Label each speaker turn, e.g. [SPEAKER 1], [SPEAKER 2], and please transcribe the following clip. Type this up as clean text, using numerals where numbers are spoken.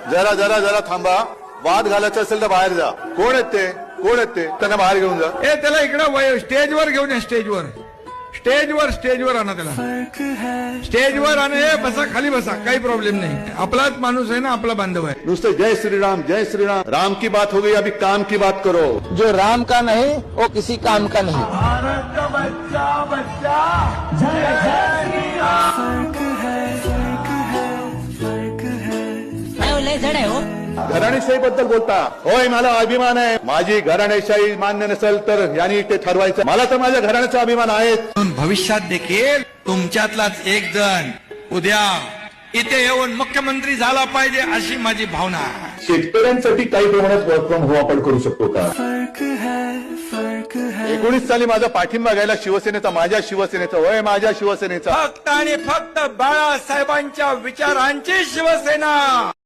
[SPEAKER 1] जरा जरा जरा थांबा. वाद घालायचा असेल तर बाहेर जा. कोण आहेत ते? कोण आहेत ते? त्यांना बाहेर घेऊन जा.
[SPEAKER 2] त्याला इकडे स्टेजवर घेऊन या. स्टेजवर आणा त्याला. स्टेजवर आणा. बसा, खाली बसा, काही प्रॉब्लेम नाही. आपलाच माणूस आहे ना, आपला बांधव आहे.
[SPEAKER 1] नुसतं जय श्रीराम जय श्रीराम. राम की बात हो गई, अभी काम की बात करो.
[SPEAKER 3] जो राम का नहीं वो किसी काम का नहीं.
[SPEAKER 2] भारत का बच्चा जय
[SPEAKER 4] जड आहे हो.
[SPEAKER 1] घराणेशाही बद्दल बोलता. होय, मला अभिमान आहे. माझी घराणेशाही मान्य नसेल तर यांनी ते ठरवायचं. मला तर माझ्या घराण्याचा अभिमान आहे.
[SPEAKER 2] भविष्यात देखील तुमच्यातलाच एक जण उद्या इथे येऊन मुख्यमंत्री झाला पाहिजे, अशी माझी भावना आहे.
[SPEAKER 1] शेतकऱ्यांसाठी काही प्रमाणात वर्क फ्रॉम होम आपण करू शकतो का? 19 साली माझा पाठिंबा घ्यायला शिवसेनेचा, माझ्या शिवसेनेचा, होय माझ्या शिवसेनेचा.
[SPEAKER 2] फक्त आणि फक्त बाळासाहेबांच्या विचारांची शिवसेना.